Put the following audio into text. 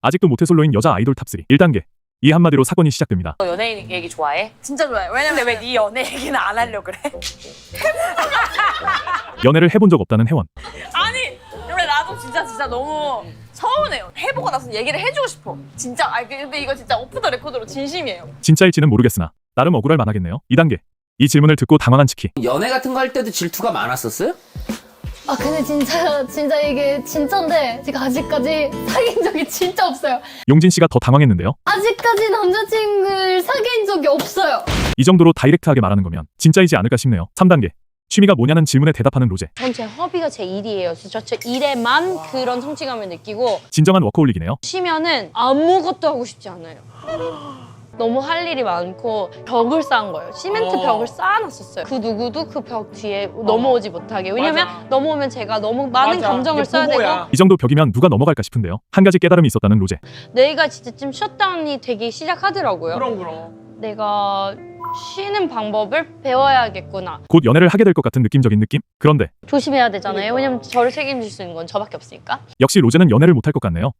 아직도 모태솔로인 여자 아이돌 탑3 1단계. 이 한마디로 사건이 시작됩니다. 너 연예인 얘기 좋아해? 진짜 좋아요. 왜냐면 근데 왜 네 연애 얘기는 안 하려고 그래? 연애를 해본 적 없다는 혜원. 아니 원래 나도 진짜 너무 서운해요. 해보고 나서 얘기를 해주고 싶어. 진짜 근데 이거 진짜 오프 더 레코드로 진심이에요. 진짜일지는 모르겠으나 나름 억울할 만하겠네요. 2단계. 이 질문을 듣고 당황한 치키. 연애 같은 거 할 때도 질투가 많았었어요? 아 근데 진짜 이게 진짜인데 제가 아직까지 사귄 적이 진짜 없어요. 용진 씨가 더 당황했는데요. 아직까지 남자친구를 사귄 적이 없어요. 이 정도로 다이렉트하게 말하는 거면 진짜이지 않을까 싶네요. 3단계. 취미가 뭐냐는 질문에 대답하는 로제. 전 제 허비가 제 일이에요. 그래서 저 일에만 그런 성취감을 느끼고 진정한 워커홀릭이네요. 쉬면은 아무것도 하고 싶지 않아요. 너무 할 일이 많고 벽을 쌓은 거예요. 시멘트 벽을 쌓아놨었어요. 그 누구도 그 벽 뒤에 넘어오지 못하게. 왜냐면 넘어오면 제가 너무 많은 감정을 써야 되고 이 정도 벽이면 누가 넘어갈까 싶은데요. 한 가지 깨달음이 있었다는 로제. 내가 진짜 좀 셧다운이 되기 시작하더라고요. 그럼. 내가 쉬는 방법을 배워야겠구나. 곧 연애를 하게 될 것 같은 느낌적인 느낌? 그런데 조심해야 되잖아요. 왜냐면 저를 책임질 수 있는 건 저밖에 없으니까. 역시 로제는 연애를 못할 것 같네요.